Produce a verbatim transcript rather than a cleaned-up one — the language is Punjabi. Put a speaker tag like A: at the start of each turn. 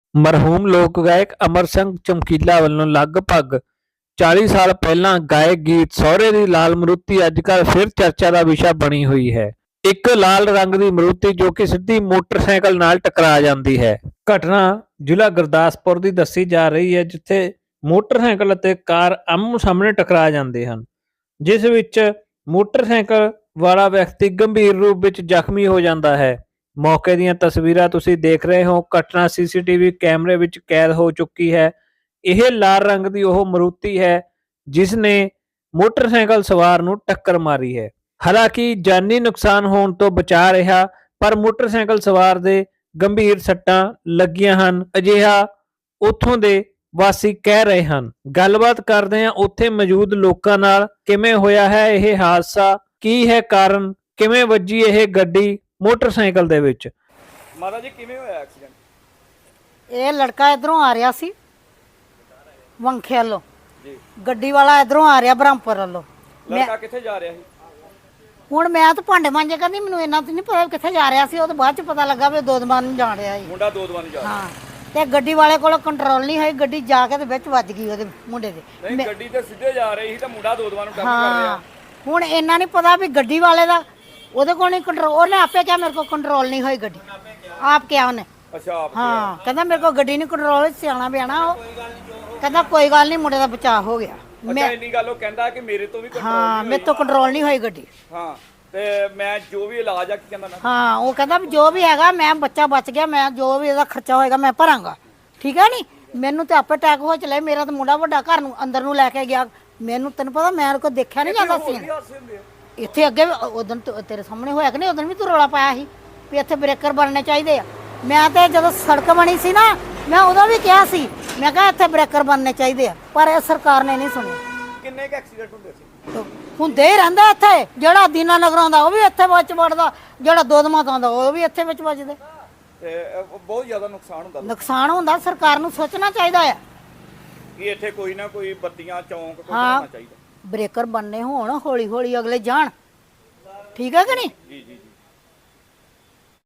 A: ਮਰਹੂਮ ਲੋਕ ਗਾਇਕ ਅਮਰ ਸਿੰਘ ਚਮਕੀਲਾ ਵੱਲੋਂ ਲਗਭਗ ਚਾਲੀ ਸਾਲ ਪਹਿਲਾਂ ਗਾਏ ਗੀਤ ਸਹੁਰੇ ਦੀ ਲਾਲ ਮਰੂਤੀ ਅੱਜ ਕੱਲ੍ਹ ਫਿਰ ਚਰਚਾ ਦਾ ਵਿਸ਼ਾ ਬਣੀ ਹੋਈ ਹੈ। ਇੱਕ ਲਾਲ ਰੰਗ ਦੀ ਮਰੂਤੀ ਜੋ ਕਿ ਸਿੱਧੀ ਮੋਟਰਸਾਈਕਲ ਨਾਲ ਟਕਰਾ ਜਾਂਦੀ ਹੈ। ਘਟਨਾ ਜ਼ਿਲ੍ਹਾ ਗੁਰਦਾਸਪੁਰ ਦੀ ਦੱਸੀ ਜਾ ਰਹੀ ਹੈ, ਜਿੱਥੇ ਮੋਟਰਸਾਈਕਲ ਅਤੇ ਕਾਰ ਆਮੋ ਸਾਹਮਣੇ ਟਕਰਾ ਜਾਂਦੇ ਹਨ, ਜਿਸ ਵਿੱਚ ਮੋਟਰਸਾਈਕਲ ਵਾਲਾ ਵਿਅਕਤੀ ਗੰਭੀਰ ਰੂਪ ਵਿੱਚ ਜ਼ਖਮੀ ਹੋ ਜਾਂਦਾ ਹੈ। ਮੌਕੇ ਦੀਆਂ ਤਸਵੀਰਾਂ ਤੁਸੀਂ ਦੇਖ ਰਹੇ ਹੋ। ਘਟਨਾ ਸੀਸੀਟੀਵੀ ਕੈਮਰੇ ਵਿੱਚ ਕੈਦ ਹੋ ਚੁੱਕੀ ਹੈ। ਇਹ ਲਾਲ ਰੰਗ ਦੀ ਉਹ ਮਰੂਤੀ ਹੈ ਜਿਸ ਨੇ ਮੋਟਰਸਾਈਕਲ ਸਵਾਰ ਨੂੰ ਟੱਕਰ ਮਾਰੀ ਹੈ। ਹਾਲਾਂਕਿ ਜਾਨੀ ਨੁਕਸਾਨ ਹੋਣ ਤੋਂ ਬਚਾ ਰਿਹਾ, ਪਰ ਮੋਟਰਸਾਈਕਲ ਸਵਾਰ ਦੇ ਗੰਭੀਰ ਸੱਟਾਂ ਲੱਗੀਆਂ ਹਨ, ਅਜਿਹਾ ਉੱਥੋਂ ਦੇ ਵਾਸੀ ਕਹਿ ਰਹੇ ਹਨ। ਗੱਲਬਾਤ ਕਰਦੇ ਹਾਂ ਉੱਥੇ ਮੌਜੂਦ ਲੋਕਾਂ ਨਾਲ। ਕਿਵੇਂ ਹੋਇਆ ਹੈ ਇਹ ਹਾਦਸਾ, ਕੀ ਹੈ ਕਾਰਨ, ਕਿਵੇਂ ਵੱਜੀ ਇਹ ਗੱਡੀ ਮੋਟਰਸਾਈਕਲ ਦੇ ਵਿੱਚ।
B: ਮਾਤਾ ਜੀ ਕਿਵੇਂ ਹੋਇਆ ਐਕਸੀਡੈਂਟ?
C: ਇਹ ਲੜਕਾ ਇਧਰੋਂ ਆ ਰਿਹਾ ਸੀ ਵੰਖੇ ਵੱਲੋਂ ਜੀ, ਗੱਡੀ ਵਾਲਾ ਇਧਰੋਂ ਆ ਰਿਹਾ ਬ੍ਰਹਮਪੁਰ ਵੱਲੋਂ।
B: ਲੜਕਾ ਕਿੱਥੇ ਜਾ ਰਿਹਾ ਸੀ?
C: ਹੁਣ ਮੈਂ ਤਾਂ ਭਾਂਡੇ ਮਾਂਜੇ ਕਰਦੀ, ਮੈਨੂੰ ਇੰਨਾ ਤਾਂ ਨਹੀਂ ਪਤਾ ਕਿੱਥੇ ਜਾ ਰਿਹਾ ਸੀ। ਉਹ ਤਾਂ ਬਾਅਦ ਚ ਪਤਾ ਲੱਗਾ ਵੀ ਦੋਦਮਾਨ ਨੂੰ ਜਾ ਰਿਹਾ ਸੀ।
B: ਮੁੰਡਾ ਦੋਦਮਾਨ ਨੂੰ ਜਾ ਰਿਹਾ।
C: ਹਾਂ, ਤੇ ਗੱਡੀ ਵਾਲੇ ਕੋਲ ਕੰਟਰੋਲ ਨਹੀਂ ਹੋਈ, ਗੱਡੀ ਜਾ ਕੇ ਤੇ ਵਿੱਚ ਵੱਜ ਗਈ ਉਹਦੇ ਮੁੰਡੇ ਦੇ।
B: ਨਹੀਂ, ਗੱਡੀ ਤੇ ਸਿੱਧੇ ਜਾ ਰਹੀ ਸੀ ਤਾਂ ਮੁੰਡਾ ਦੋਦਮਾਨ ਨੂੰ ਟੱਕਰ ਕਰ
C: ਹਾਂ,
B: ਰਿਹਾ।
C: ਹੁਣ ਇੰਨਾ ਨਹੀਂ ਪਤਾ ਵੀ ਗੱਡੀ ਵਾਲੇ ਦਾ ਉਹਦੇ ਕੋਲ ਨਹੀਂ ਕੰਟਰੋਲ। ਉਹਨੇ ਆਪੇ ਕਿਹਾ ਮੇਰੇ ਕੋਲ ਕੰਟਰੋਲ ਨਹੀਂ ਹੋਈ ਗੱਡੀ, ਆਪ ਕਿਹਾ ਉਹਨੇ।
B: ਅੱਛਾ, ਆਪ
C: ਹਾਂ, ਕਹਿੰਦਾ ਮੇਰੇ ਕੋਲ ਗੱਡੀ ਨਹੀਂ ਕੰਟਰੋਲ ਹੋਈ। ਸਿਆਣਾ ਬਿਆਣਾ ਉਹ ਕਹਿੰਦਾ ਕੋਈ ਗੱਲ ਨਹੀਂ, ਮੁੰਡੇ ਦਾ ਬਚਾਅ ਹੋ ਗਿਆ।
B: ਅੱਛਾ, ਇੰਨੀ ਗੱਲ ਉਹ ਕਹਿੰਦਾ ਕਿ ਮੇਰੇ ਤੋਂ ਵੀ ਕੰਟਰੋਲ
C: ਹਾਂ, ਮੇਰੇ ਤੋਂ ਕੰਟਰੋਲ ਨਹੀਂ ਹੋਈ ਗੱਡੀ।
B: ਹਾਂ, ਤੇ ਮੈਂ ਜੋ ਵੀ ਇਲਾਜ ਆ ਕੀ ਕਹਿੰਦਾ ਨਾ।
C: ਹਾਂ, ਉਹ ਕਹਿੰਦਾ ਵੀ ਜੋ ਵੀ ਹੈਗਾ, ਮੈਂ ਬੱਚਾ ਬਚ ਗਿਆ, ਮੈਂ ਜੋ ਵੀ ਇਹਦਾ ਖਰਚਾ ਹੋਏਗਾ ਮੈਂ ਭਰਾਂਗਾ। ਠੀਕ ਹੈ ਨੀ, ਮੈਨੂੰ ਤੇ ਆਪੇ ਅਟੈਕ ਹੋ ਚਲੇ। ਮੇਰਾ ਤਾਂ ਮੁੰਡਾ ਵੱਡਾ ਘਰ ਨੂੰ ਅੰਦਰ ਨੂੰ ਲੈ ਕੇ ਗਿਆ। ਮੈਨੂੰ ਤੈਨੂੰ ਪਤਾ ਮੈਂ ਕੋ ਦੇਖਿਆ ਨਹੀਂ ਜਾਂਦਾ ਸੀ ਇੱਥੇ ਅੱਗੇ। ਉਦੋਂ ਤੇਰੇ ਸਾਹਮਣੇ ਹੋਇਆ ਕਿ ਨਹੀਂ, ਉਦੋਂ ਵੀ ਤੂੰ ਰੌਲਾ ਪਾਇਆ ਸੀ ਵੀ ਇੱਥੇ ਬ੍ਰੇਕਰ ਬਣਨੇ ਚਾਹੀਦੇ ਆ। ਮੈਂ ਤੇ ਜਦੋਂ ਸੜਕ ਬਣੀ ਸੀ ਨਾ, ਮੈਂ ਉਦੋਂ ਵੀ ਕਿਹਾ ਸੀ, ਮੈਂ ਕਿਹਾ ਇੱਥੇ ਬ੍ਰੇਕਰ ਬਣਨੇ ਚਾਹੀਦੇ ਆ, ਪਰ ਇਹ ਸਰਕਾਰ ਨੇ ਨਹੀਂ ਸੁਣੀ।
B: ਕਿੰਨੇ ਕ ਐਕਸੀਡੈਂਟ ਹੁੰਦੇ ਸੀ?
C: ਹੁੰਦੇ ਹੀ ਰਹਿੰਦਾ ਇੱਥੇ। ਜਿਹੜਾ ਦੀਨਾ ਨਗਰੋਂ ਦਾ ਉਹ ਵੀ ਇੱਥੇ ਵਿੱਚ ਵੜਦਾ, ਜਿਹੜਾ ਦੋਦਮਾ ਤੋਂ ਆਉਂਦਾ ਉਹ ਵੀ ਇੱਥੇ ਵਿੱਚ ਵੱਜਦੇ।
B: ਤੇ ਬਹੁਤ ਜ਼ਿਆਦਾ ਨੁਕਸਾਨ ਹੁੰਦਾ।
C: ਨੁਕਸਾਨ ਹੁੰਦਾ, ਸਰਕਾਰ ਨੂੰ ਸੋਚਣਾ ਚਾਹੀਦਾ ਆ
B: ਕਿ ਇੱਥੇ ਕੋਈ ਨਾ ਕੋਈ ਬੱਤੀਆਂ ਚੌਂਕ ਕੋਈ ਬਣਾਉਣਾ ਚਾਹੀਦਾ।
C: ਬ੍ਰੇਕਰ ਬਣਨੇ ਹੋਣ, ਹੌਲੀ ਹੌਲੀ ਅਗਲੇ ਜਾਣ। ਠੀਕ ਹੈ ਕਿ ਨਹੀਂ?
B: ਜੀ ਜੀ ਜੀ।